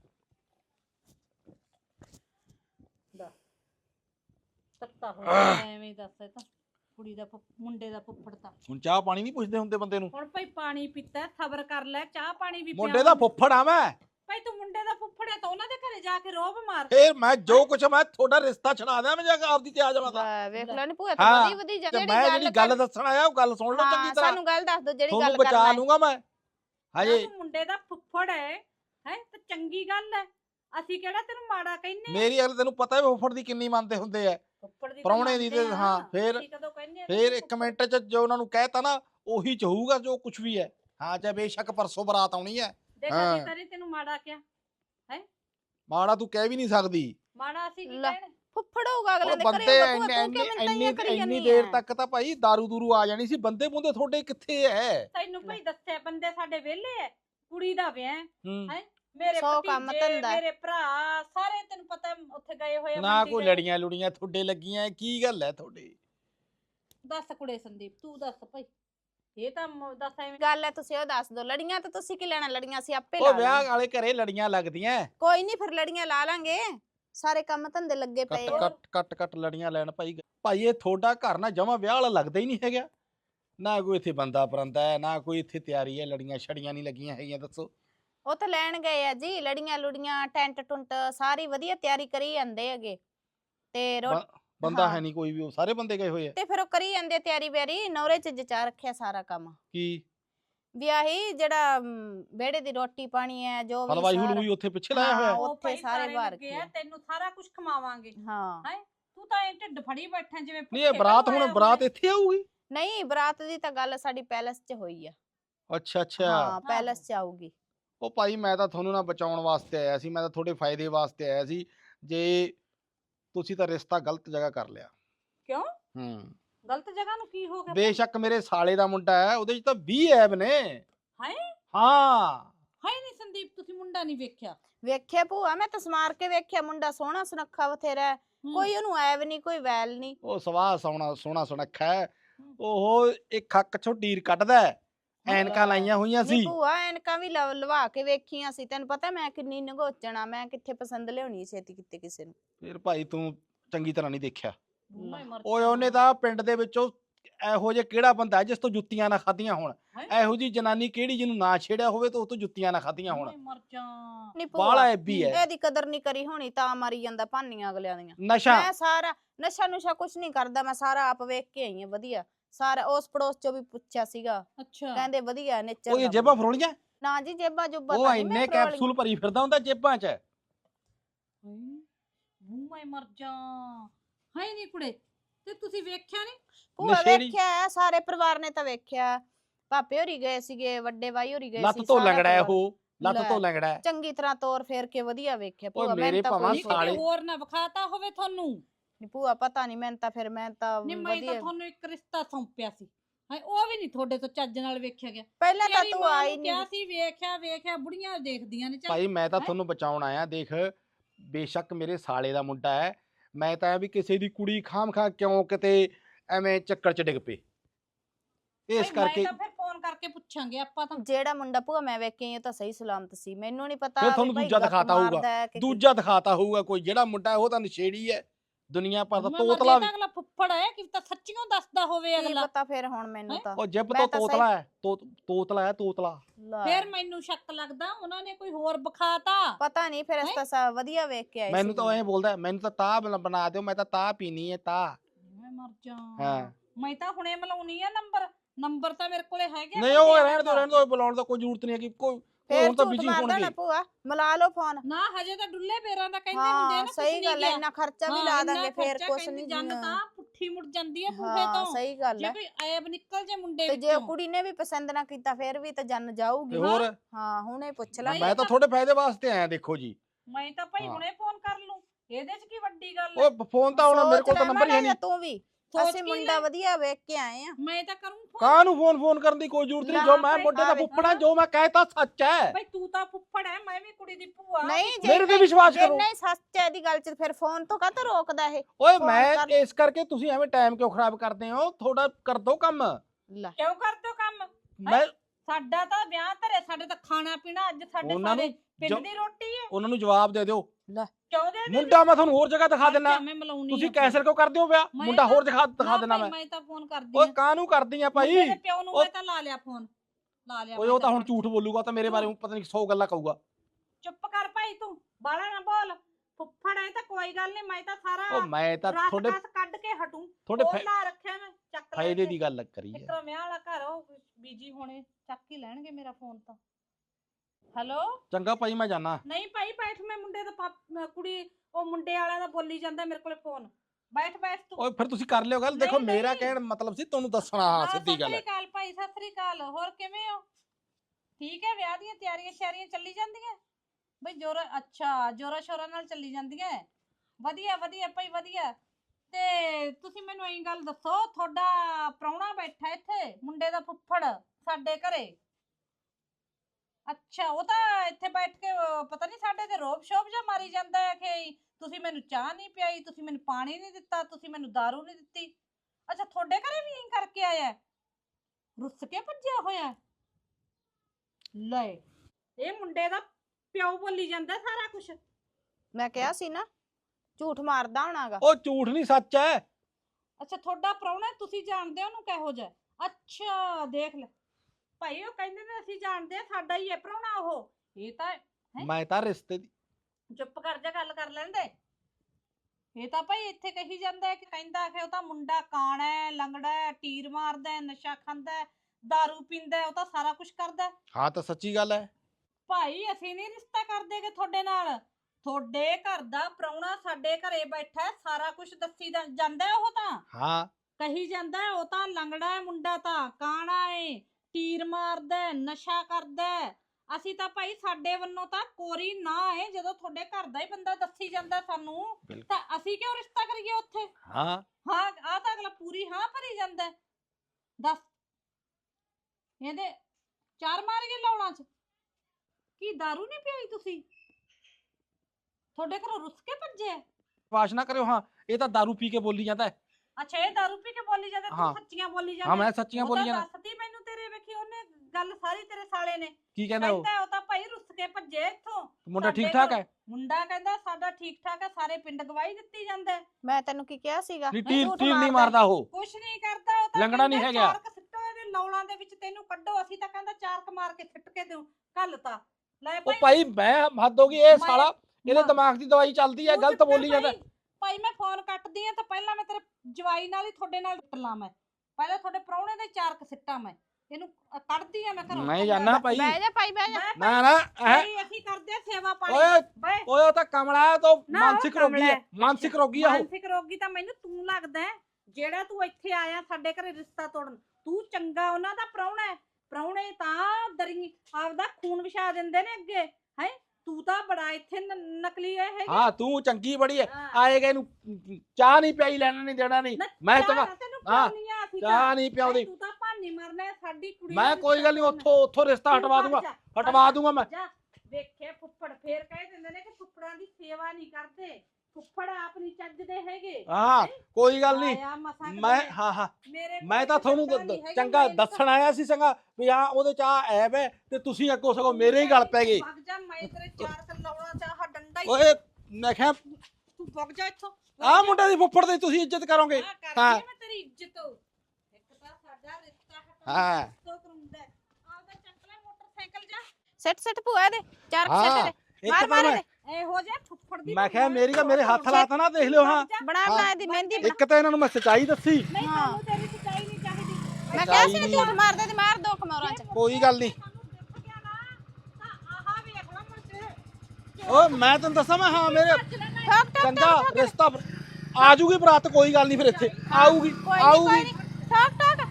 B: ਤੱਤਾ ਹੋ ਗਿਆ ਐਵੇਂ ਦੱਸ। ਇਹ ਤਾਂ ਕੁੜੀ ਦਾ ਮੁੰਡੇ ਦਾ ਫੁੱਫੜ ਤਾਂ
A: ਹੁਣ ਚਾਹ ਪਾਣੀ ਨਹੀਂ ਪੁੱਛਦੇ ਹੁੰਦੇ ਬੰਦੇ ਨੂੰ?
B: ਹੁਣ ਭਾਈ ਪਾਣੀ ਪੀਤਾ, ਸਬਰ ਕਰ ਲੈ, ਚਾਹ ਪਾਣੀ ਵੀ
A: ਮੁੰਡੇ ਦਾ ਫੁੱਫੜ ਆ ਮੈਂ।
B: ਭਾਈ ਤੂੰ ਮੁੰਡੇ ਦਾ ਫੁੱਫੜ ਹੈ ਤਾਂ ਉਹਨਾਂ ਦੇ ਘਰੇ ਜਾ ਕੇ ਰੋਬ ਮਾਰ।
A: ਫੇਰ ਮੈਂ ਜੋ ਕੁਛ ਮੈਂ ਤੁਹਾਡਾ ਰਿਸ਼ਤਾ ਛਡਾ ਦਿਆਂ, ਮੈਂ ਜਾ ਕੇ ਆਪਦੀ ਤੇ ਆ ਜਾਵਾਂ ਤਾਂ।
C: ਵੇਖ ਲੈ ਨੀ ਭੂਆ ਤਾਂ
A: ਹਾਂ,
C: ਵਧੀ ਵਧੀ
A: ਤੇ
C: ਜਿਹੜੀ
A: ਮੈਂ ਜਿਹੜੀ ਗੱਲ ਦੱਸਣ ਆਇਆ ਉਹ ਗੱਲ ਸੁਣ ਲਓ ਚੰਗੀ
C: ਹਾਂ
A: ਤਰ੍ਹਾਂ।
C: ਸਾਨੂੰ ਗੱਲ ਦੱਸ ਦਿਓ ਜਿਹੜੀ
A: ਤੁਹਾਨੂੰ
C: ਗੱਲ
A: ਬਚਾ
C: ਕਰਨਾ
A: ਲੂੰਗਾ ਮੈਂ। ਹਜੇ
B: ਤੂੰ ਮੁੰਡੇ ਦਾ ਫੁੱਫੜ ਹੈ ਤਾਂ ਚੰਗੀ ਗੱਲ ਹੈ। ਅਸੀਂ ਕਿਹੜਾ ਤੈਨੂੰ ਮਾੜਾ ਕਹਿੰਨੇ?
A: ਮੇਰੀ ਗੱਲ ਤੈਨੂੰ ਪਤਾ ਹੈ ਫੁੱਫੜ ਦੀ ਕਿੰਨੀ ਮੰਨਦੇ ਹੁੰਦੇ ਆ।
B: ਫੁੱਫੜ ਦੀ
A: ਪ੍ਰਾਹੁਣੇ ਦੀ ਤੇ ਹਾਂ, ਫੇਰ ਇੱਕ ਮਿੰਟ ਚ ਜੋ ਉਹਨਾਂ ਨੂੰ ਕਹਿਤਾ ਨਾ ਉਹੀ ਚਾਹੂਗਾ ਜੋ ਕੁਝ ਵੀ ਹੈ। ਹਾਂ ਚਾਹੇ ਬੇਸ਼ੱਕ ਪਰਸੋਂ ਬਰਾਤ ਆਉਣੀ ਹੈ।
B: ਦੇਖਾ ਜੀ ਤੇਰੇ ਤੈਨੂੰ ਮਾੜਾ ਕਿਹਾ ਹੈ?
A: ਮਾੜਾ ਤੂੰ ਕਹਿ ਵੀ ਨਹੀਂ ਸਕਦੀ।
B: ਮਾੜਾ ਅਸੀਂ ਕੀ
C: ਲੈ।
B: ਕਹਿਣ?
C: ਫੁੱਫੜ ਹੋਊਗਾ ਅਗਲੇ
A: ਉਹ
C: ਦੇ
A: ਬੰਦੇ
C: ਘਰੇ ਹੋਊਗਾ, ਤੂੰ ਕਿਉਂ ਮਿੰਟਾਂ ਕਰੀ
A: ਇੰਨੀ
C: ਜਾਂਦੀ
A: ਦੇਰ
C: ਹੈ?
A: ਤੱਕ ਤਾਂ ਭਾਈ ਦਾਰੂ ਦੂਰੂ ਆ ਜਾਣੀ ਸੀ। ਬੰਦੇ ਬੁੰਦੇ ਤੁਹਾਡੇ ਕਿੱਥੇ ਐ?
B: ਤੈਨੂੰ ਭਾਈ ਦੱਸਿਆ ਬੰਦੇ ਸਾਡੇ ਵਿਹਲੇ ਐ। ਕੁੜੀ ਦਾ ਵਿਆਹ
A: ਹੂੰ।
B: ਹੈ, ਮੇਰੇ
C: ਸੌ ਕੰਮ
B: ਭਤੀਜੇ
C: ਧੰਦਾ।
B: ਮੇਰੇ ਭਰਾ ਸਾਰੇ ਤੈਨੂੰ ਪਤਾ ਉੱਥੇ ਗਏ ਹੋਏ ਆ।
A: ਨਾ
B: ਮੰਡੀ
A: ਕੋਈ
B: ਗਏ।
A: ਲੜੀਆਂ ਲੁੜੀਆਂ ਤੁਹਾਡੇ ਲੱਗੀਆਂ, ਕੀ ਗੱਲ ਐ ਤੁਹਾਡੀ?
B: ਦੱਸ ਕੁੜੇ ਸੰਦੀਪ, ਤੂੰ ਦੱਸ ਭਾਈ। ਇਹ ਤਾਂ ਦੱਸ ਐਵੇਂ
C: ਗੱਲ ਹੈ ਤੁਸੀਂ ਉਹ ਦੱਸ ਦਿਓ। ਲੜੀਆਂ ਤਾਂ ਤੁਸੀਂ ਕੀ ਲੈਣਾ, ਲੜੀਆਂ ਅਸੀਂ ਆਪੇ ਲਾ
A: ਉਹ
C: ਲਾਂਗੇ।
A: ਵਿਆਹ ਵਾਲੇ ਘਰੇ ਲੜੀਆਂ ਲੱਗਦੀਆਂ।
C: ਕੋਈ ਨਹੀਂ ਫਿਰ ਲੜੀਆਂ ਲਾ ਲਾਂਗੇ, ਸਾਰੇ ਕੰਮ ਧੰਦੇ ਲੱਗੇ ਪਏ
A: ਕੱਟ
C: ਆ।
A: ਕੱਟ ਕੱਟ ਲੜੀਆਂ ਲੈਣ ਭਾਈ। ਭਾਈ ਇਹ ਤੁਹਾਡਾ ਘਰ ਨਾ ਜਮਾ ਵਿਆਹ ਵਾਲਾ ਲੱਗਦਾ ਹੀ ਨਹੀਂ ਹੈਗਾ। ਨਾ ਕੋਈ ਇੱਥੇ ਬੰਦਾ ਪਰੰਦਾ ਹੈ, ਨਾ ਕੋਈ ਇੱਥੇ ਤਿਆਰੀ ਹੈ। ਲੜੀਆਂ ਛੜੀਆਂ ਨਹੀਂ ਲੱਗੀਆਂ ਹੈਗੀਆਂ। ਦੱਸੋ।
C: ਉਹ ਤਾਂ ਲੈਣ ਗਏ ਆ ਜੀ, ਲੜੀਆਂ ਲੁੜੀਆਂ ਟੈਂਟ ਟੁੰਟ ਸਾਰੀ ਵਧੀਆ ਤਿਆਰੀ ਕਰੀ ਜਾਂਦੇ ਹੈਗੇ ਤੇ
A: ਬੰਦਾ
C: ਹਾਂ।
A: ਹੈ ਨਹੀਂ ਕੋਈ ਵੀ, ਉਹ ਸਾਰੇ ਬੰਦੇ ਗਏ ਹੋਏ ਆ।
C: ਤੇ ਫਿਰ ਉਹ ਕਰੀ ਜਾਂਦੇ ਤਿਆਰੀ ਬਿਆਰੀ। ਨੌਰੇ ਚ ਜਚਾ ਰੱਖਿਆ ਸਾਰਾ ਕੰਮ।
A: ਕੀ
C: ਵਿਆਹੀ ਜਿਹੜਾ ਵਿਹੜੇ ਦੀ ਰੋਟੀ ਪਾਣੀ ਹੈ ਜੋ ਵੀ
A: ਹਲਵਾਈ
C: ਸਾਰਾ-
A: ਹੁਲੂਈ ਉੱਥੇ ਪਿੱਛੇ ਲਾਇਆ
C: ਹਾਂ,
A: ਹੋਇਆ?
C: ਉਹ-
B: ਉਹ
C: ਉੱਥੇ
B: ਭਾਈ
C: ਸਾਰੇ ਬਾਹਰ
B: ਲੱਗੇ
C: ਕੀ
B: ਆ,
C: ਆ।
B: ਤੈਨੂੰ ਸਾਰਾ ਕੁਝ ਖਵਾਵਾਂਗੇ।
C: ਹਾਂ
B: ਤੂੰ ਤਾਂ ਇਹ ਢਿੱਡ ਫੜੀ ਬੈਠਾ ਜਿਵੇਂ
A: ਨਹੀਂ ਇਹ
B: ਭੁੱਖੇ
A: ਬਰਾਤ
B: ਘਰੋਂ
A: ਹੁਣ
B: ਆਇਆ
A: ਬਰਾਤ
B: ਹੋਵੇ।
A: ਇੱਥੇ ਆਊਗੀ?
C: ਨਹੀਂ ਬਰਾਤ ਦੀ ਤਾਂ ਗੱਲ ਸਾਡੀ ਪੈਲਸ 'ਚ ਹੋਈ ਆ।
A: ਅੱਛਾ ਅੱਛਾ।
C: ਹਾਂ ਪੈਲਸ 'ਚ ਆਊਗੀ।
A: ਉਹ ਭਾਈ ਮੈਂ ਤਾਂ ਤੁਹਾਨੂੰ ਨਾ ਬਚਾਉਣ ਵਾਸਤੇ ਆਇਆ ਸੀ, ਮੈਂ ਤਾਂ ਤੁਹਾਡੇ ਫਾਇਦੇ ਵਾਸਤੇ ਆਇਆ ਸੀ। ਜੇ ਤੁਸੀਂ ਤਾਂ ਰਿਸ਼ਤਾ ਗਲਤ ਜਗ੍ਹਾ ਕਰ ਲਿਆ।
B: ਕਿਉਂ? ਗਲਤ ਜਗ੍ਹਾ ਨੂੰ ਕੀ ਹੋ ਗਿਆ?
A: ਬੇਸ਼ੱਕ ਮੇਰੇ ਸਾਲੇ ਦਾ ਮੁੰਡਾ ਹੈ, ਉਹਦੇ 'ਚ ਤਾਂ 20 ਐਬ ਨੇ।
B: ਹਾਏ
A: ਹਾਂ
B: ਹਾਏ ਨਹੀਂ ਸੰਦੀਪ, ਤੁਸੀਂ ਮੁੰਡਾ ਨਹੀਂ ਵੇਖਿਆ?
C: ਵੇਖਿਆ ਭੂਆ, ਮੈਂ ਤਾਂ ਸਮਾਰ ਕੇ ਵੇਖਿਆ, ਮੁੰਡਾ ਸੋਹਣਾ ਸੁਨੱਖਾ ਬਥੇਰਾ ਹੈ, ਕੋਈ ਉਹਨੂੰ ਐਬ ਨਹੀਂ, ਕੋਈ ਵੈਲ ਨਹੀਂ।
A: ਉਹ ਸਵਾਹ ਸੋਹਣਾ ਸੁਨੱਖਾ ਹੈ। ਉਹ ਇੱਕ ਅੱਖ ਚੋਂ ਟੀਰ ਕੱਢਦਾ ਹੈ। ਐਨਕਾਂ ਲਾਈਆਂ ਹੋਈਆਂ ਸੀ।
C: ਨਹੀਂ ਭੂਆ, ਐਨਕਾਂ ਵੀ ਲਵਾ ਕੇ ਵੇਖੀਆਂ ਸੀ, ਤੈਨੂੰ ਪਤਾ ਮੈਂ ਕਿੰਨੀ ਨਗੋਚਣਾ, ਮੈਂ ਕਿੱਥੇ ਪਸੰਦ ਲਿਆਉਣੀ ਛੇਤੀ ਕਿਤੇ ਕਿਸੇ ਨੂੰ।
A: ਫਿਰ ਭਾਈ ਤੂੰ ਚੰਗੀ ਤਰ੍ਹਾਂ ਨਹੀਂ ਦੇਖਿਆ।
B: ਮੈਂ ਮਰ
A: ਓਏ ਉਹਨੇ ਤਾਂ ਪਿੰਡ ਦੇ ਵਿੱਚੋਂ ਇਹੋ ਜਿਹਾ ਕਿਹੜਾ ਬੰਦਾ ਜਿਸ ਤੋਂ ਜੁੱਤੀਆਂ ਨਾ ਖਾਧੀਆਂ ਹੋਣ? ਇਹੋ ਜੀ ਜਨਾਨੀ ਕਿਹੜੀ ਜਿਹਨੂੰ ਨਾ ਛੇੜਿਆ ਹੋਵੇ ਤਾਂ ਉਹ ਤੋਂ ਜੁੱਤੀਆਂ ਨਾ ਖਾਧੀਆਂ ਹੋਣ?
B: ਮੈਂ ਮਰ ਜਾ।
C: ਨਹੀਂ
A: ਬਾਲਾ
C: ਭੂਆ,
A: ਐਬੀ ਹੈ।
C: ਇਹਦੀ ਕਦਰ ਨਹੀਂ ਕਰੀ ਹੋਣੀ ਤਾਂ ਮਾਰੀ ਜਾਂਦਾ ਭਾਨੀਆਂ ਅਗਲਿਆਂ ਦੀਆਂ।
A: ਨਸ਼ਾ
C: ਮੈਂ ਸਾਰਾ ਨਸ਼ਾ ਨੁਸ਼ਾ ਕੁਛ ਨਹੀਂ ਕਰਦਾ, ਮੈਂ ਸਾਰਾ ਆਪ ਵੇਖ ਕੇ ਆਈ ਹਾਂ ਵਧੀਆ ਸਾਰਾ। ਉਸ ਪੜੋਸ ਚੋਂ ਵੀ ਪੁੱਛਿਆ ਸੀਗਾ,
B: ਅੱਛਾ
C: ਕਹਿੰਦੇ ਵਧੀਆ ਨੇਚਰ
A: ਉਹ
C: ਦਾ
A: ਜੇਬਾਂ ਫਰੋਲੀਆਂ?
C: ਨਾ ਜੀ, ਜੇਬਾਂ ਜੁਬਾਂ
A: ਉਹ
C: ਤਾਂ ਨਹੀਂ
A: ਇੰਨੇ
C: ਮੈਂ ਫਰੋਲੀਆਂ।
A: ਕੈਪਸੂਲ ਭਰੀ ਫਿਰਦਾ ਹੁੰਦਾ ਜੇਬਾਂ 'ਚ।
B: ਮੈਂ ਮਰ ਜਾ। ਹਾਏ ਨਹੀਂ ਕੁੜੇ, ਤੇ ਤੁਸੀਂ ਵੇਖਿਆ ਨਹੀਂ?
C: ਭੂਆ
A: ਨਸ਼ੇੜੀ।
C: ਵੇਖਿਆ ਹੈ, ਸਾਰੇ ਪਰਿਵਾਰ ਨੇ ਤਾਂ ਵੇਖਿਆ। ਪਾਪੇ ਹੋਰੀ ਗਏ ਸੀਗੇ, ਵੱਡੇ ਭਾਈ ਹੋਰੀ ਗਏ
A: ਲੱਤ
C: ਸੀ,
A: ਤੋਂ
C: ਸਾਰਾ
A: ਲੰਗੜਾ ਹੈ
C: ਪਰਿਵਾਰ।
A: ਉਹ, ਲੱਤ
C: ਲੈ।
A: ਤੋਂ ਲੰਗੜਾ ਹੈ।
C: ਚੰਗੀ ਤਰ੍ਹਾਂ ਤੋਰ ਫੇਰ ਕੇ ਵਧੀਆ ਵੇਖਿਆ
A: ਓਏ
C: ਭੂਆ।
A: ਮੇਰੇ
C: ਮੈਂ ਤਾਂ
A: ਭਾਵਾਂ
C: ਕੋਈ
A: ਸਾਲੇ-
B: ਹੋਰ ਨਾ ਵਿਖਾਤਾ ਹੋਵੇ ਤੁਹਾਨੂੰ।
C: ਨਹੀਂ ਭੂਆ, ਪਤਾ ਨਹੀਂ, ਮੈਂ ਤਾਂ ਫਿਰ ਮੈਂ ਤਾਂ
B: ਨਹੀਂ ਮੈਂ ਤਾਂ
C: ਵਧੀਆ।
B: ਤੁਹਾਨੂੰ ਇੱਕ ਰਿਸ਼ਤਾ ਸੌਂਪਿਆ ਸੀ, ਹਾਏ ਉਹ ਵੀ ਨਹੀਂ ਤੁਹਾਡੇ ਤੋਂ ਚੱਜ ਨਾਲ ਵੇਖਿਆ ਗਿਆ।
C: ਪਹਿਲਾਂ ਤਾਂ
B: ਤੇਰੀ
C: ਤੂੰ
B: ਮਾਂ
C: ਆਈ
B: ਨੂੰ
C: ਨਹੀਂ।
B: ਕਿਹਾ ਸੀ ਵੇਖਿਆ ਬੁੜੀਆਂ ਦੇਖਦੀਆਂ ਨੇ। ਚੱਲ
A: ਭਾਈ ਮੈਂ ਤਾਂ
B: ਹੈਂ?
A: ਤੁਹਾਨੂੰ ਬਚਾਉਣ ਆਇਆ। ਦੇਖ, ਬੇਸ਼ੱਕ ਮੇਰੇ ਸਾਲੇ ਦਾ ਮੁੰਡਾ ਹੈ, ਮੈਂ ਤਾਂ ਵੀ ਕਿਸੇ ਦੀ ਕੁੜੀ ਖਾਮ ਖਾ ਕਿਉਂ ਕਿਤੇ ਐਵੇਂ ਚੱਕਰ 'ਚ ਡਿੱਗ ਪਏ ਇਸ
B: ਭਾਈ,
A: ਕਰਕੇ।
B: ਮੈਂ ਤਾਂ ਫਿਰ ਫੋਨ ਕਰਕੇ ਪੁੱਛਾਂਗੇ ਆਪਾਂ ਤਾਂ।
C: ਜਿਹੜਾ ਮੁੰਡਾ ਭੂਆ ਮੈਂ ਵੇਖਿਆ ਉਹ ਤਾਂ ਸਹੀ ਸਲਾਮਤ ਸੀ, ਮੈਨੂੰ ਨਹੀਂ ਪਤਾ
A: ਫਿਰ
C: ਵੀ
A: ਤੁਹਾਨੂੰ
C: ਭਾਈ
A: ਦੂਜਾ
C: ਗੱਪ
A: ਦਿਖਾਤਾ ਹੋਊਗਾ।
C: ਮਾਰਦਾ ਹੈ ਕਿ
A: ਦੂਜਾ ਦਿਖਾਤਾ ਹੋਊਗਾ ਕੋਈ। ਜਿਹੜਾ ਮੁੰਡਾ ਹੈ ਉਹ ਤਾਂ ਨਸ਼ੇੜੀ ਹੈ, ਦੁਨੀਆ ਭਰ ਦਾ
B: ਮੈਂ ਮਰ
A: ਤੋਤਲਾ
B: ਗਈ
A: ਵੀ।
B: ਤਾਂ ਅਗਲਾ ਫੁੱਫੜ ਹੈ ਕਿ ਤਾਂ ਸੱਚੀਓ ਦੱਸਦਾ ਹੋਵੇ
C: ਕੀ
B: ਅਗਲਾ।
C: ਪਤਾ ਫਿਰ ਹੁਣ ਮੈਨੂੰ
B: ਹੈਂ?
C: ਤਾਂ
A: ਉਹ ਜਿੱਪ
C: ਮੈਂ
A: ਤੋਂ
C: ਤਾਂ ਸਹੀ-
A: ਤੋਤਲਾ ਹੈ, ਤੋਤਲਾ ਹੈ, ਤੋਤਲਾ।
C: ਲੈ,
B: ਫਿਰ ਮੈਨੂੰ ਸ਼ੱਕ ਲੱਗਦਾ ਉਹਨਾਂ ਨੇ ਕੋਈ ਹੋਰ ਵਿਖਾਤਾ।
C: ਪਤਾ ਨਹੀਂ ਫਿਰ ਇਸ ਤਾਂ ਵਧੀਆ ਵੇਖ ਕੇ ਆਏ
A: ਮੈਨੂੰ
C: ਸੀ
A: ਤਾਂ ਐਂ ਬੋਲਦਾ, ਮੈਨੂੰ ਤਾਂ ਤਾਹ ਬਣਾ ਦਿਓ, ਮੈਂ ਤਾਂ ਤਾਹ ਪੀਣੀ ਹੈ ਤਾਹ।
B: ਮੈਂ ਮਰ ਜਾ।
A: ਹਾਂ।
B: ਮੈਂ ਤਾਂ ਹੁਣੇ ਮਿਲਾਉਣੀ ਆ ਨੰਬਰ ਤਾਂ ਮੇਰੇ ਕੋਲੇ ਹੈਗੇ।
A: ਨਹੀਂ ਉਹ ਰਹਿਣ ਦਿਓ, ਬੁਲਾਉਣ ਦਾ ਕੋਈ ਜ਼ਰੂਰਤ ਨਹੀਂ ਹੈਗੀ। ਕੋਈ
C: ਫਿਰ
A: ਹੁਣ ਤਾਂ
C: ਝੂਠ
A: ਬਿਜੀ
C: ਮਾਰਦਾ
A: ਹੋਣਗੇ।
C: ਨਾ ਭੂਆ, ਮਿਲਾ ਲਓ ਫੋਨ।
B: ਨਾ ਹਜੇ ਤਾਂ ਡੁੱਲੇ ਪੇਰਾਂ ਦਾ ਕਹਿੰਦੇ ਹੁੰਦੇ ਆ
C: ਹਾਂ
B: ਨਾ।
C: ਸਹੀ ਗੱਲ ਹੈ, ਇੰਨਾ ਖਰਚਾ ਵੀ ਲਾ ਦਾਂਗੇ ਫਿਰ ਕੁਛ ਨਹੀਂ।
B: ਜੰਨ ਤਾਂ ਪੁੱਠੀ ਮੁੜ ਜਾਂਦੀ ਹੈ ਬੂਹੇ
C: ਹਾਂ
B: ਤੋਂ।
C: ਸਹੀ ਗੱਲ
B: ਜੇ
C: ਹੈ।
B: ਕੋਈ ਐਬ ਨਿਕਲ ਜੇ ਮੁੰਡੇ
C: ਤੇ ਜੇ
B: ਵਿੱਚੋਂ।
C: ਕੁੜੀ ਨੇ ਵੀ ਪਸੰਦ ਨਾ ਕੀਤਾ ਫਿਰ ਵੀ ਤਾਂ ਜੰਨ ਜਾਊਗੀ।
A: ਤੇ ਹੋਰ
C: ਹਾਂ ਹੁਣੇ ਪੁੱਛ ਲੈ।
A: ਮੈਂ ਤਾਂ ਤੁਹਾਡੇ ਫਾਇਦੇ ਵਾਸਤੇ ਆਇਆ। ਦੇਖੋ ਜੀ,
B: ਮੈਂ ਤਾਂ ਭਾਈ
A: ਹਾਂ।
B: ਹੁਣੇ ਫੋਨ ਕਰ ਲੂੰ, ਇਹਦੇ 'ਚ ਕੀ ਵੱਡੀ ਗੱਲ ਹੈ?
A: ਉਹ ਫੋਨ ਤਾਂ ਹੁਣ ਮੇਰੇ ਕੋਲ ਤਾਂ ਨੰਬਰ ਹੀ ਹੈ ਨਹੀਂ।
C: ਤੂੰ ਵੀ
B: ਸੋਚ
C: ਅਸੀਂ
B: ਕੀ
C: ਮੁੰਡਾ
B: ਲੈ।
C: ਵਧੀਆ ਵੇਖ ਕੇ ਆਏ ਆ।
B: ਮੈਂ ਤਾਂ ਕਰੂੰ ਫੋਨ।
A: ਕਾਹਨੂੰ ਫੋਨ ਕਰਨ ਦੀ ਕੋਈ ਜ਼ਰੂਰਤ ਨਹੀਂ। ਜੋ ਮੈਂ ਮੁੰਡੇ ਦਾ ਫੁੱਫੜਾ, ਜੋ ਮੈਂ ਕਹਿਤਾ ਸੱਚ ਹੈ।
B: ਭਾਈ ਤੂੰ ਤਾਂ ਫੁੱਫੜ ਹੈ, ਮੈਂ ਵੀ ਕੁੜੀ ਦੀ ਭੂਆ।
C: ਨਹੀਂ
A: ਮੇਰੇ ਤੇ ਵਿਸ਼ਵਾਸ ਕਰੋ।
C: ਨਹੀਂ ਸੱਚ ਹੈ ਦੀ ਗੱਲ ਚ ਫਿਰ ਫੋਨ ਤੋਂ ਕਾਹਤੋਂ ਰੋਕਦਾ ਇਹ?
A: ਓਏ
C: ਫੋਨ
A: ਮੈਂ
C: ਕਰ।
A: ਇਸ ਕਰਕੇ ਤੁਸੀਂ ਐਵੇਂ ਟਾਈਮ ਕਿਉਂ ਖਰਾਬ ਕਰਦੇ ਹੋ? ਥੋੜਾ ਕਰ ਦੋ ਕੰਮ।
C: ਲੈ
B: ਕਿਉਂ ਕਰਦੇ ਹੋ ਕੰਮ?
A: ਮੈਂ
B: ਸਾਡਾ ਤਾਂ ਵਿਆਹ ਧਰੇ, ਸਾਡੇ ਤਾਂ ਖਾਣਾ ਪੀਣਾ ਅੱਜ ਸਾਡੇ
A: ਉਹਨਾਂ ਨੂੰ
B: ਸਾਰੇ ਪਿੰਡ ਦੀ ਰੋਟੀ ਹੈ।
A: ਉਹਨਾਂ ਨੂੰ ਜਵਾਬ ਦੇ ਦਿਓ।
B: ਕਿਉਂ ਦੇ
A: ਮੁੰਡਾ ਮੈਂ ਤੁਹਾਨੂੰ ਹੋਰ ਜਗ੍ਹਾ ਦਿਖਾ ਦੇਣਾ।
B: ਮੈਂ ਮਿਲਾਉਣੀ
A: ਤੁਸੀਂ
B: ਆ।
A: ਕੈਂਸਲ ਕਿਉਂ ਕਰਦੇ ਹੋ ਵਿਆਹ?
B: ਮੈਂ
A: ਮੁੰਡਾ
B: ਤਾਂ-
A: ਹੋਰ ਦਿਖਾ
B: ਨਾ
A: ਦੇਣਾ
B: ਭਾਈ,
A: ਮੈਂ।
B: ਮੈਂ ਤਾਂ ਫੋਨ ਕਰਦੀ
A: ਓਏ
B: ਆ।
A: ਕਾਹਨੂੰ ਕਰਦੀ ਆ ਭਾਈ?
B: ਮੇਰੇ ਪਿਓ ਨੂੰ
A: ਉਹ-
B: ਮੈਂ ਤਾਂ ਲਾ ਲਿਆ ਫੋਨ, ਲਾ ਲਿਆ।
A: ਓਏ
B: ਮੈਂ
A: ਉਹ ਤਾਂ ਹੁਣ
B: ਫੜ
A: ਝੂਠ
B: ਕੇ।
A: ਬੋਲੂਗਾ, ਤਾਂ ਮੇਰੇ ਬਾਰੇ ਪਤਾ ਨਹੀਂ 100 ਗੱਲਾਂ ਕਹੂਗਾ।
B: ਚੁੱਪ ਕਰ ਭਾਈ, ਤੂੰ ਬਾਲਾ ਨਾ ਬੋਲ। ਫੁੱਫੜ ਹੈ ਤਾਂ ਕੋਈ ਗੱਲ ਨਹੀਂ, ਮੈਂ ਤਾਂ ਸਾਰਾ
A: ਉਹ ਮੈਂ ਤਾਂ
B: ਰਾਤ
A: ਤੁਹਾਡੇ
B: ਕਾਸ ਕੱਢ ਕੇ ਹਟੂੰ।
A: ਤੁਹਾਡੇ
B: ਉਹ ਲਾ ਰੱਖਿਆ ਮੈਂ, ਚੱਕ ਲੈ
A: ਫਾਇਦੇ
B: ਕੇ।
A: ਦੀ ਗੱਲ ਕਰੀ ਹੈ।
B: ਇੱਕ ਵਿਆਹ ਵਾਲਾ ਘਰ ਉਹ ਬੀਜੀ ਹੋਣੇ, ਚੱਕ ਹੀ ਲੈਣਗੇ ਮੇਰਾ ਫੋਨ ਤਾਂ। ਹੈਲੋ।
A: ਚੰਗਾ ਭਾਈ ਮੈਂ ਜਾਣਾ।
B: ਨਹੀਂ ਭਾਈ ਬੈਠ, ਮੈਂ ਮੁੰਡੇ ਦਾ ਕੁੜੀ ਉਹ ਮੁੰਡੇ ਵਾਲਿਆਂ ਦਾ ਬੋਲੀ ਜਾਂਦਾ ਮੇਰੇ ਕੋਲੇ ਫੋਨ। ਬੈਠ ਤੂੰ।
A: ਓਏ ਫਿਰ ਤੁਸੀਂ ਕਰ ਲਿਓ ਗੱਲ। ਦੇਖੋ
B: ਨਹੀਂ,
A: ਮੇਰਾ
B: ਨਹੀਂ।
A: ਕਹਿਣ ਮਤਲਬ ਸੀ ਤੁਹਾਨੂੰ ਦੱਸਣਾ। ਹਾਂ ਸਿੱਧੀ ਗੱਲ ਹੈ।
B: ਸਤਿ ਸ੍ਰੀ ਅਕਾਲ ਭਾਈ, ਸਤਿ ਸ੍ਰੀ ਅਕਾਲ। ਹੋਰ ਕਿਵੇਂ ਹੋ? ਠੀਕ ਹੈ, ਵਿਆਹ ਦੀਆਂ ਤਿਆਰੀਆਂ ਸ਼ਿਆਰੀਆਂ ਚੱਲੀ ਜਾਂਦੀਆਂ ਬਈ? ਜੋਰਾ ਸ਼ੋਰਾ ਨਾਲ ਚੱਲੀ ਜਾਂਦੀਆਂ। ਵਧੀਆ ਭਾਈ ਵਧੀਆ। ਤੇ ਤੁਸੀਂ ਮੈਨੂੰ ਇਹ ਗੱਲ ਦੱਸੋ, ਤੁਹਾਡਾ ਪ੍ਰਾਹੁਣਾ ਬੈਠਾ ਇੱਥੇ, ਮੁੰਡੇ ਦਾ ਫੁੱਫੜ ਸਾਡੇ ਘਰੇ? ਅੱਛਾ, ਉਹ ਤਾਂ ਇੱਥੇ ਬੈਠ ਕੇ ਪਤਾ ਨਹੀਂ ਸਾਡੇ ਤੇ ਰੋਬ ਸ਼ੋਬ ਜਾਂ ਮਾਰੀ ਜਾਂਦਾ ਹੈ ਕਿ ਤੁਸੀਂ ਮੈਨੂੰ ਚਾਹ ਨਹੀਂ ਪਿਆਈ, ਤੁਸੀਂ ਮੈਨੂੰ ਪਾਣੀ ਨਹੀਂ ਦਿੱਤਾ, ਤੁਸੀਂ ਮੈਨੂੰ ਦਾਰੂ ਨਹੀਂ ਦਿੱਤੀ। ਅੱਛਾ, ਤੁਹਾਡੇ ਘਰੇ ਵੀ ਇਹੀ ਕਰਕੇ ਆਇਆ? ਰੁੱਸ ਕੇ ਭੱਜਿਆ ਹੋਇਆ? ਲੈ, ਇਹ ਮੁੰਡੇ ਦਾ ਪਿਓ ਬੋਲੀ ਜਾਂਦਾ ਸਾਰਾ ਕੁਝ।
C: ਮੈਂ ਕਿਹਾ ਸੀ ਨਾ ਝੂਠ ਮਾਰਦਾ ਹੋਣਾਗਾ।
A: ਉਹ ਝੂਠ ਨਹੀਂ ਸੱਚ ਹੈ।
B: ਅੱਛਾ, ਤੁਹਾਡਾ ਪ੍ਰਾਹੁਣਾ ਤੁਸੀਂ ਜਾਣਦੇ ਹੋ ਉਹਨੂੰ ਕਿਹੋ ਜਿਹਾ? ਅੱਛਾ, ਦੇਖ ਲੈ ਭਾਈ, ਉਹ ਕਹਿੰਦੇ ਨੇ ਅਸੀਂ ਜਾਣਦੇ ਆ, ਸਾਡਾ ਹੀ ਹੈ ਪ੍ਰਾਹੁਣਾ ਉਹ। ਇਹ ਤਾਂ
A: ਮੈਂ ਤਾਂ ਰਿਸ਼ਤੇ ਦੀ
B: ਚੁੱਪ ਕਰ ਜਾ, ਗੱਲ ਕਰ ਲੈਂਦੇ। ਇਹ ਤਾਂ ਭਾਈ ਇੱਥੇ ਕਹੀ ਜਾਂਦਾ ਕਿ ਕਹਿੰਦਾ ਕਿ ਉਹ ਤਾਂ ਮੁੰਡਾ ਕਾਣਾ ਹੈ, ਲੰਗੜਾ ਹੈ, ਟੀਰ ਮਾਰਦਾ ਹੈ, ਨਸ਼ਾ ਖਾਂਦਾ ਹੈ, ਦਾਰੂ ਪੀਂਦਾ ਹੈ, ਉਹ ਤਾਂ ਸਾਰਾ ਕੁਝ ਕਰਦਾ ਹੈ।
A: ਹਾਂ ਤਾਂ ਸੱਚੀ ਗੱਲ ਹੈ
B: ਭਾਈ ਅਸੀਂ ਨਹੀਂ ਰਿਸ਼ਤਾ ਕਰਦੇਗੇ ਤੁਹਾਡੇ ਨਾਲ। ਤੁਹਾਡੇ ਘਰ ਦਾ ਪ੍ਰਾਹੁਣਾ ਸਾਡੇ ਘਰੇ ਬੈਠਾ ਹੈ, ਸਾਰਾ ਕੁਝ ਦੱਸੀ ਜਾਂਦਾ ਹੈ। ਉਹ ਤਾਂ
A: ਹਾਂ
B: ਕਹੀ ਜਾਂਦਾ ਹੈ ਉਹ ਤਾਂ ਲੰਗੜਾ ਹੈ, ਮੁੰਡਾ ਤਾਂ ਕਾਣਾ ਹੈ, ਟੀਰ ਮਾਰਦਾ ਹੈ, ਨਸ਼ਾ ਕਰਦਾ ਹੈ, ਅਸੀਂ ਤਾਂ ਭਾਈ ਸਾਡੇ ਵੱਲੋਂ ਤਾਂ ਕੋਰੀ ਨਾ ਹੈ, ਜਦੋਂ ਤੁਹਾਡੇ ਘਰ ਦਾ ਹੀ ਬੰਦਾ ਦੱਸੀ ਜਾਂਦਾ ਸਾਨੂੰ ਤਾਂ ਅਸੀਂ ਕਿਉਂ ਰਿਸ਼ਤਾ ਕਰੀਏ ਉੱਥੇ?
A: ਹਾਂ
B: ਹਾਂ ਆ ਤਾਂ ਅਗਲਾ ਪੂਰੀ ਹਾਂ ਭਰੀ ਜਾਂਦਾ ਹੈ। ਦੱਸ ਇਹਦੇ ਚਾਰ ਮਾਰ ਗਏ ਲਾਉਣਾ ਚ ਕੀ ਦਾਰੂ ਨਹੀਂ ਪੀਈ ਤੁਸੀਂ? ਤੁਹਾਡੇ ਘਰੋਂ ਰੁੱਸ ਕੇ ਭੱਜੇ?
A: ਵਿਸ਼ਵਾਸ ਨਾ ਕਰਿਓ। ਹਾਂ ਇਹ ਤਾਂ ਦਾਰੂ ਪੀ ਕੇ ਬੋਲੀ ਜਾਂਦਾ ਹੈ।
B: ਅੱਛਾ ਇਹ ਦਾਰੂ ਪੀ ਕੇ ਬੋਲੀ ਜਾਂਦਾ,
A: ਹਾਂ।
B: ਤੂੰ ਸੱਚੀਆਂ ਬੋਲੀ ਜਾਂਦਾ?
A: ਹਾਂ ਮੈਂ ਸੱਚੀਆਂ
B: ਉਹ ਤਾਂ
A: ਬੋਲੀ ਜਾਂਦਾ।
B: ਦੱਸਦੀ ਮੈਨੂੰ ਤੇਰੇ ਵੇਖੀ ਉਹਨੇ ਗੱਲ ਸਾਰੀ, ਤੇਰੇ ਸਾਲੇ ਨੇ
A: ਕੀ ਕਹਿੰਦਾ ਉਹ?
B: ਕਹਿੰਦਾ ਉਹ ਤਾਂ ਭਾਈ ਰੁੱਸ ਕੇ ਭੱਜੇ ਇੱਥੋਂ।
A: ਮੁੰਡਾ
B: ਸਾਡੇ
A: ਠੀਕ ਠਾਕ ਹੈ?
B: ਮੁੰਡਾ ਕਹਿੰਦਾ ਸਾਡਾ ਠੀਕ ਠਾਕ ਹੈ, ਸਾਰੇ ਪਿੰਡ ਗਵਾਹੀ ਦਿੱਤੀ ਜਾਂਦਾ ਹੈ।
C: ਮੈਂ ਤੈਨੂੰ ਕੀ ਕਿਹਾ ਸੀਗਾ?
A: ਨਹੀਂ
C: ਝੂਠ
A: ਟੀਰ ਨਹੀਂ
C: ਮਾਰਦਾ।
A: ਮਾਰਦਾ ਉਹ।
B: ਕੁਛ ਨਹੀਂ ਕਰਦਾ ਉਹ ਤਾਂ
A: ਲੰਗੜਾ ਨਹੀਂ
B: ਕਹਿੰਦਾ
A: ਹੈਗਾ।
B: ਚਾਰ ਕੁ ਸਿੱਟੋ ਇਹਦੇ ਲੌਲਾਂ ਦੇ ਵਿੱਚ, ਤੈਨੂੰ ਕੱਢੋ। ਅਸੀਂ ਤਾਂ ਕਹਿੰਦਾ ਚਾਰ ਕ ਮਾਰ ਕੇ ਸਿੱਟ ਕੇ ਦਿਓ ਕੱਲ ਤਾਂ ਲੈ
A: ਉਹ ਭਾਈ ਮੈਂ ਹੱਦ ਹੋ ਗਈ। ਇਹ ਸਾਲਾ ਇਹਦੇ
B: ਮੈਂ-
A: ਦਿਮਾਗ ਦੀ ਦਵਾਈ ਚੱਲਦੀ ਹੈ,
B: ਤੂੰ
A: ਗਲਤ
B: ਚੁੱਪ ਕਰ
A: ਬੋਲੀ ਜਾਂਦਾ।
B: ਭਾਈ ਮੈਂ ਫੋਨ ਕੱਟਦੀ ਆ ਤਾਂ ਪਹਿਲਾਂ ਮੈਂ ਤੇਰੇ ਜਵਾਈ ਨਾਲ ਹੀ ਤੁਹਾਡੇ ਨਾਲ ਟੱਲਾਂ। ਮੈਂ ਪਹਿਲਾਂ ਤੁਹਾਡੇ ਪ੍ਰਾਹੁਣੇ ਦੇ ਚਾਰ ਕ ਸਿੱਟਾਂ ਮੈਂ ਇਹਨੂੰ ਕੱਢਦੀ ਆ ਮੈਂ ਘਰੋਂ।
A: ਮੈਂ ਜਾਣਾ ਭਾਈ।
C: ਬਹਿ ਜਾ ਭਾਈ, ਬਹਿ ਜਾ।
A: ਨਾ ਨਾ
B: ਭਾਈ ਅਸੀਂ ਕਰਦੇ ਆ ਸੇਵਾ ਪਾਣੀ।
A: ਓਏ
B: ਬਈ
A: ਓਏ ਉਹ ਤਾਂ ਕਮਲਾ ਹੈ, ਤੋਂ
B: ਨਾ, ਉਹ
A: ਮਾਨਸਿਕ ਰੋਗੀ
B: ਕਮਲਾ
A: ਹੈ।
B: ਹੈ।
A: ਮਾਨਸਿਕ ਰੋਗੀ ਆ ਉਹ।
B: ਮਾਨਸਿਕ ਰੋਗੀ ਤਾਂ ਮੈਨੂੰ ਤੂੰ ਲੱਗਦਾ ਹੈ, ਜਿਹੜਾ ਤੂੰ ਇੱਥੇ ਆਇਆ ਸਾਡੇ ਘਰੇ ਰਿਸ਼ਤਾ ਤੋੜਨ। ਤੂੰ ਚੰਗਾ ਉਹਨਾਂ ਦਾ ਪ੍ਰਾਹੁਣਾ ਹੈ। ਪ੍ਰਾਹੁਣੇ ਤਾਂ ਦਰੀ ਆਪਦਾ ਖੂਨ ਵਿਛਾ ਦਿੰਦੇ ਨੇ ਅੱਗੇ ਹੈ। ਤੂੰ ਤਾਂ ਬੜਾ ਇੱਥੇ ਨਕਲੀ ਹੈ।
A: ਹਾਂ ਤੂੰ ਚੰਗੀ ਬੜੀ ਹੈ।
B: ਹਾਂ।
A: ਆਏਗਾ ਇਹਨੂੰ ਚਾਹ ਨਹੀਂ ਪਿਆਈ, ਲੈਣਾ ਨਹੀਂ ਦੇਣਾ ਨਹੀਂ। ਮੈਂ ਤਾਂ ਹਾਂ, ਚਾਹ ਨਹੀਂ ਪਿਆਉਂਦੀ।
B: ਤੂੰ ਤਾਂ ਭਾਨੀ ਮਰਨਾ ਹੈ ਸਾਡੀ ਕੁੜੀ
A: ਮੈਂ
B: ਨੂੰ
A: ਕੋਈ ਗੱਲ ਨਹੀਂ,
B: ਰਿਸ਼ਤਾ
A: ਉੱਥੋਂ ਰਿਸ਼ਤਾ
B: ਤੂੰ
A: ਹਟਵਾ
B: ਭੱਜ
A: ਦੂੰਗਾ।
B: ਜਾ,
A: ਹਟਵਾ ਦੂੰਗਾ ਮੈਂ।
B: ਜਾ ਵੇਖੇ ਫੁੱਫੜ ਫੇਰ ਕਹਿ ਦਿੰਦੇ ਨੇ ਕਿ ਫੁੱਫੜਾਂ ਦੀ ਸੇਵਾ ਨਹੀਂ ਕਰਦੇ। ਫੁੱਫੜ ਆਪ ਨਹੀਂ ਚੱਜਦੇ ਹੈਗੇ।
A: ਹਾਂ ਕੋਈ ਗੱਲ ਨਹੀਂ।
B: ਆਇਆ ਮਸਾਂ
A: ਮੈਂ
B: ਕਦੇ
A: ਹਾਂ
B: ਮੇਰੇ
A: ਮੈਂ
B: ਕੋਲ
A: ਤਾਂ ਤੁਹਾਨੂੰ
B: ਚੱਕਰ ਨਹੀਂ ਹੈਗਾ,
A: ਚੰਗਾ
B: ਮੈਨੂੰ ਤਾਂ-
A: ਦੱਸਣ ਆਇਆ ਸੀ ਚੰਗਾ ਵੀ ਹਾਂ ਉਹਦੇ ਚ ਆ ਐਬ ਹੈ ਤੇ ਤੁਸੀਂ ਅੱਗੋਂ ਸਗੋਂ ਮੇਰੇ ਹੀ ਗੱਲ ਪੈ ਗਏ।
B: ਵਗ ਜਾ, ਮੈਂ ਤੇਰੇ ਚਾਰ ਕ ਲਾਉਣਾ ਚਾਹ ਡੰਡਾ ਹੀ।
A: ਓਏ ਮੈਂ ਕਿਹਾ
B: ਤੂੰ ਵਗ ਜਾ ਇੱਥੋਂ।
A: ਆ ਮੁੰਡੇ ਦੀ ਫੁੱਫੜ ਦੀ ਤੁਸੀਂ ਇੱਜ਼ਤ ਕਰੋਗੇ।
B: ਕਰਦੀ
A: ਹਾਂ।
B: ਆ ਮੈਂ ਤੇਰੀ ਇੱਜ਼ਤ। ਇੱਕ ਤਾਂ ਸਾਡਾ ਰਿਸ਼ਤਾ ਹਟਾ
A: ਹਾਂ।
B: ਕਰੂੰਦਾ ਆਪਦਾ ਚੱਕ ਲੈ ਮੋਟਰਸਾਈਕਲ ਜਾ।
C: ਸਿੱਟ ਭੂਆ ਇਹਦੇ ਚਾਰ ਕੁ
A: ਹਾਂ,
C: ਸਿੱਟ ਦੇ।
A: ਇੱਕ
C: ਮਾਰ
A: ਤਾਂ
C: ਮਾਰ
A: ਮੈਂ
C: ਇਹਦੇ।
B: ਇਹੋ ਜਿਹਾ ਫੁੱਫੜ ਦੀ
A: ਮੈਂ
B: ਤਾਂ
A: ਕਿਹਾ
B: ਮੈਂ
A: ਮੇਰੀ ਮੇਰੇ ਹੱਥ
B: ਛੋੜ
A: ਲਾਤਾ ਨਾ, ਦੇਖ ਲਿਓ। ਹਾਂ
C: ਬਣਾ
A: ਹਾਂ।
C: ਬਣਾ ਇਹਦੀ ਮਹਿੰਦੀ ਬਣਾ।
A: ਇੱਕ ਤਾਂ ਇਹਨਾਂ ਨੂੰ ਮੈਂ ਸੱਚਾਈ ਦੱਸੀ।
B: ਨਹੀਂ ਸਾਨੂੰ ਤੇਰੀ ਸੱਚਾਈ ਨਹੀਂ ਚਾਹੀਦੀ।
C: ਮੈਂ ਕਿਹਾ ਸੀ ਨਾ ਝੂਠ ਮਾਰਦੇ ਤੇ ਮਾਰ ਦੋ ਕਮਰਾਂ ਚ।
A: ਕੋਈ ਗੱਲ ਨਹੀਂ।
B: ਸਾਨੂੰ ਦਿਖ ਗਿਆ ਨਾ ਤਾਂ ਆਹ ਵੇਖ ਲਓ ਮੁੰਡੇ।
A: ਓ ਮੈਂ ਤੈਨੂੰ ਦੱਸਾਂ ਮੈਂ ਹਾਂ ਮੇਰੇ
C: ਠੋਕ ਠੋਕ
A: ਚੰਗਾ ਰਿਸ਼ਤਾ ਆ ਜੂਗੀ ਬਰਾਤ। ਕੋਈ ਗੱਲ ਨਹੀਂ ਫਿਰ ਇੱਥੇ ਆਊਗੀ
C: ਕੋਈ
A: ਆਊਗੀ
C: ਨਹੀਂ ਠੋਕ ਠੋਕ।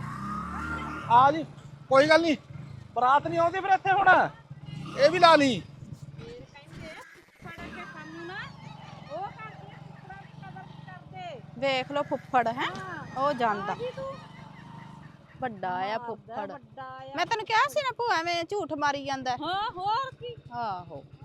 A: ਆ ਜੀ ਕੋਈ ਗੱਲ ਨਹੀਂ। ਬਰਾਤ ਨਹੀਂ ਆਉਂਦੀ ਫਿਰ ਇੱਥੇ ਹੁਣ। ਇਹ ਵੀ ਲਾ ਲਈ।
B: ਫੇਰ ਕਹਿੰਦੇ ਫੁੱਫੜ ਕੇ ਸਾਨੂੰ ਨਾ ਉਹ ਕਰਦੇ ਆ, ਫੁੱਫੜਾਂ ਦੀ ਕਦਰ ਨਹੀਂ ਕਰਦੇ।
C: ਵੇਖ ਲੋ ਫੁੱਫੜ ਹੈ ਉਹ ਜਾਂਦਾ
B: ਆ ਗਈ ਤੂੰ।
C: ਵੱਡਾ ਆ ਫੁੱਫੜ।
B: ਵੱਡਾ ਆ।
C: ਮੈਂ ਤੈਨੂੰ ਕਿਹਾ ਸੀ ਨਾ ਭੂਆ ਐਵੇਂ ਝੂਠ ਮਾਰੀ ਜਾਂਦਾ।
B: ਹਾਂ ਹੋਰ ਕੀ।
C: ਆਹੋ